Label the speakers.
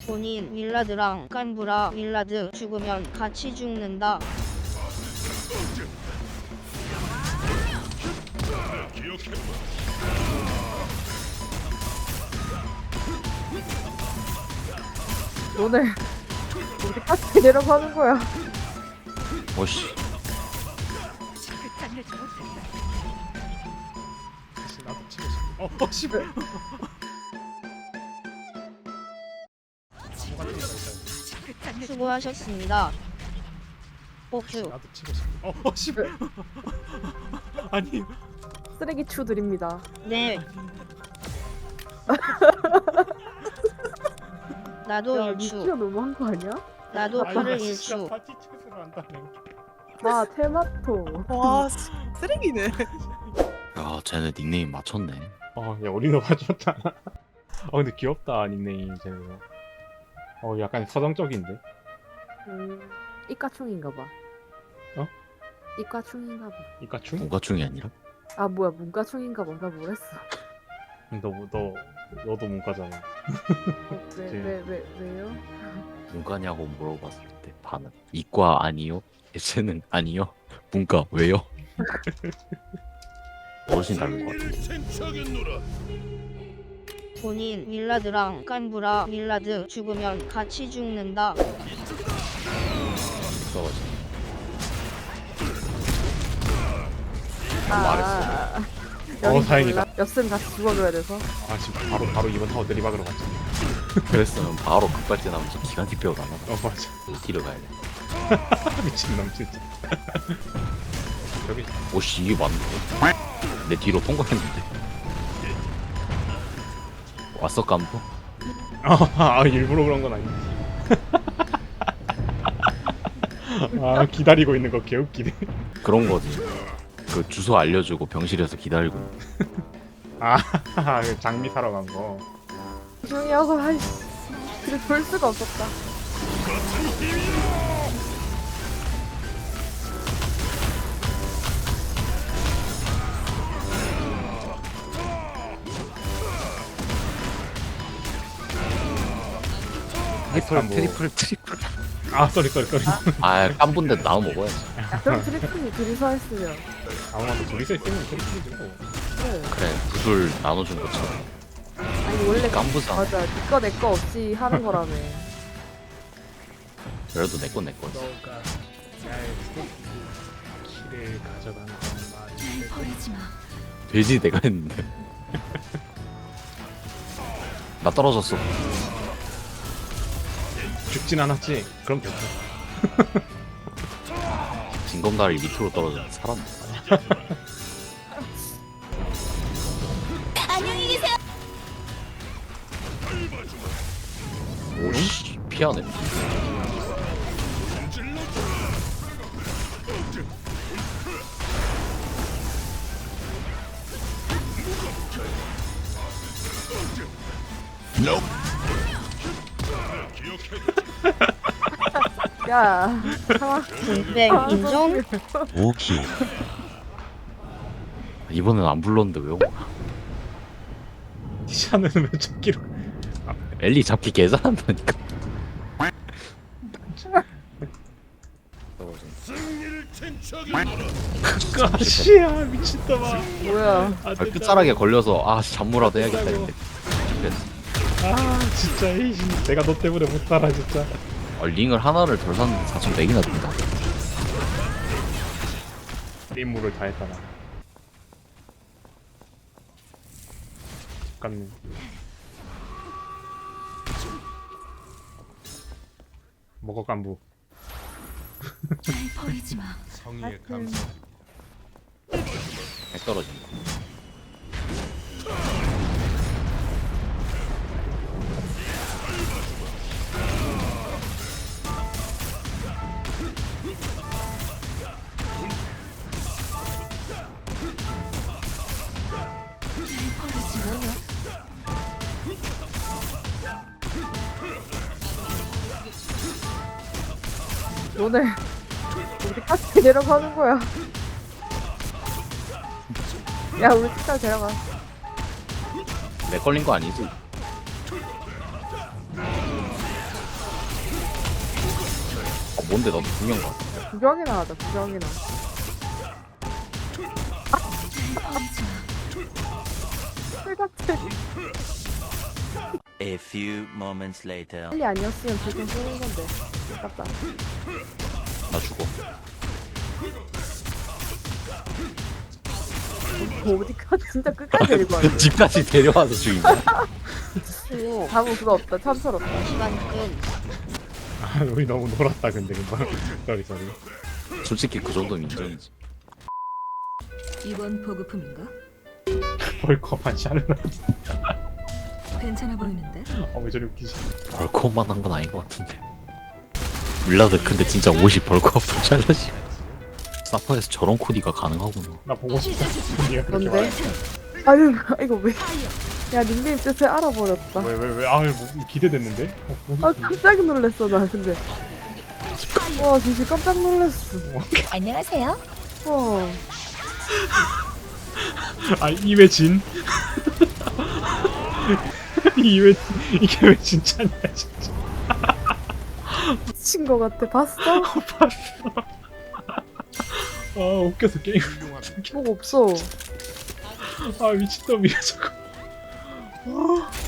Speaker 1: 본인 윌라드랑 깐부라 윌라드 죽으면 같이 죽는다.
Speaker 2: 오늘 어디까지 내려가는 거야?
Speaker 3: 오씨.
Speaker 4: 다시 나도 치고 싶어. 씨발.
Speaker 1: 수고하셨습니다. 복수.
Speaker 4: 나도 치고 싶어. 씨발. 아니.
Speaker 2: 쓰레기 추 드립니다.
Speaker 1: 네. 나도
Speaker 2: 야,
Speaker 1: 일추.
Speaker 2: 미치가 너무한 거 아니야?
Speaker 1: 나도
Speaker 4: 아니,
Speaker 1: 그를
Speaker 4: 나 진짜
Speaker 1: 일추.
Speaker 4: 파티 채소를 한다네.
Speaker 2: 아 테마토.
Speaker 5: 와 쓰레기네.
Speaker 3: 야, 쟤네 닉네임 맞췄네.
Speaker 4: 야 우리도 봐줬잖아. 근데 귀엽다 닉네임 쟤네. 약간 서정적인데.
Speaker 2: 이과충인가 봐.
Speaker 4: 어?
Speaker 2: 이과충인가 봐.
Speaker 4: 이까충?
Speaker 3: 문과충이 아니라?
Speaker 2: 아 뭐야 문과충인가 봐. 나 뭐랬어?
Speaker 4: 너도 문과잖아.
Speaker 2: 왜요?
Speaker 3: 문과냐고 물어봤을 때 반은 이과 아니요? 예체능 아니요? 문과 왜요? 어르신 닮은 것 같은데.
Speaker 1: 본인 윌라드랑 깐부라 윌라드 죽으면 같이 죽는다.
Speaker 3: 써가지고.
Speaker 2: 여기
Speaker 4: 다행이다.
Speaker 2: 몰라? 엽슨 같이 죽어줘야 돼서.
Speaker 4: 지금 바로 이번 타워 내리막으로 갔지.
Speaker 3: 그랬으면 바로 급발진하면서 기간티 빼고 나가.
Speaker 4: 맞아.
Speaker 3: 뒤로 가야 돼.
Speaker 4: 미친놈 진짜. 저기
Speaker 3: 오씨, 이게 맞네. 내 뒤로 통과했는데. 왔어, 깜부?
Speaker 4: 일부러 그런 건 아니지. 기다리고 있는 거 개웃기네.
Speaker 3: 그런 거지. 그 주소 알려주고 병실에서 기다리고.
Speaker 4: 장미 사러 간 거.
Speaker 2: 중이어서 아이씨. 그래 볼 수가 없었다.
Speaker 3: 트리플.
Speaker 4: 쏘리.
Speaker 3: 아, 깜부인데 나눠 먹어야지.
Speaker 2: 그럼 트리플이 둘이서 했으면.
Speaker 4: 아무나 둘이서 있으면 트리플이지 뭐.
Speaker 2: 그래.
Speaker 3: 그래, 구슬 나눠준 것처럼.
Speaker 2: 아니 원래
Speaker 3: 깜부잖아.
Speaker 2: 맞아. 니꺼 내 거 없이 하는 거라며.
Speaker 3: 그래도 내 거지.
Speaker 4: 너가 나의 키를 가져간 건 말이
Speaker 3: 돼지 내가 했는데. 나 떨어졌어.
Speaker 4: 죽진 않았지? 그럼 됐어.
Speaker 3: 징검다리 밑으로 떨어졌는데 살았네. 오씨, 피하네.
Speaker 2: 야. 상황.
Speaker 1: 네, 인정?
Speaker 3: 오키. 이번엔 안 불렀는데 왜 온 거야?
Speaker 4: 티샤는 왜 찾기로.
Speaker 3: 엘리 잡기 개잘한다니까.
Speaker 4: 씨야 미친놈아.
Speaker 2: 뭐야?
Speaker 3: 끝자락에 걸려서 잠무라도 해야겠다 했는데. 그래서
Speaker 4: 진짜 내가 너 때문에 못 살아 진짜.
Speaker 3: 링을 하나를 덜 샀는데 4,100이나 든다.
Speaker 4: 임무를 다 했다 나. 잠깐네. 먹어 깐부.
Speaker 6: 버리지 마.
Speaker 4: 성의에 감사.
Speaker 3: 백 떨어진다.
Speaker 2: 오늘 어디까지 내려가는 거야? 야 우리 집까지 데려가.
Speaker 3: 내 걸린 거 아니지? 뭔데 나도 분명 같아.
Speaker 2: 구경이나 하자 구경이나. 같아.
Speaker 5: A few moments later.
Speaker 2: 빨리 아니었으면 지금 쓰는 건데. 아깝다.
Speaker 3: 나 죽어.
Speaker 2: 어디까지 진짜 끝까지 데리고 왔네.
Speaker 3: 집까지 데려와서 죽인 거야.
Speaker 2: 다음 그거 없다. 참설없다.
Speaker 1: 시간 끈.
Speaker 4: 아, 우리 너무 놀았다 근데 금방. 쏘리.
Speaker 3: 솔직히 그 정도면 인정이지.
Speaker 6: 이번 보급품인가?
Speaker 4: 벌컵한 샬럿.
Speaker 6: 괜찮아 보이는데?
Speaker 4: 왜 저리 웃기지?
Speaker 3: 벌크업만 한 건 아닌 것 같은데. 밀라드 근데 진짜 50 벌크업 잘라지. 사퍼에서 저런 코디가 가능하구나.
Speaker 4: 나 보고 싶다. 니가 그렇게
Speaker 2: 뭔데? 아유 이거 왜? 야 닉네임 뜻을 알아버렸다.
Speaker 4: 왜? 아, 뭐, 기대됐는데?
Speaker 2: 아 깜짝 놀랐어 나 근데. 와 진짜 깜짝 놀랐어.
Speaker 6: 안녕하세요.
Speaker 2: 와.
Speaker 4: 아, 이회 진? 이회 이게 왜 진짜냐 진짜.
Speaker 2: 미친 거 같아. 봤어?
Speaker 4: 아, 웃겨서 게임.
Speaker 2: 뭐가 없어.
Speaker 4: 아, 미친놈이야 저거.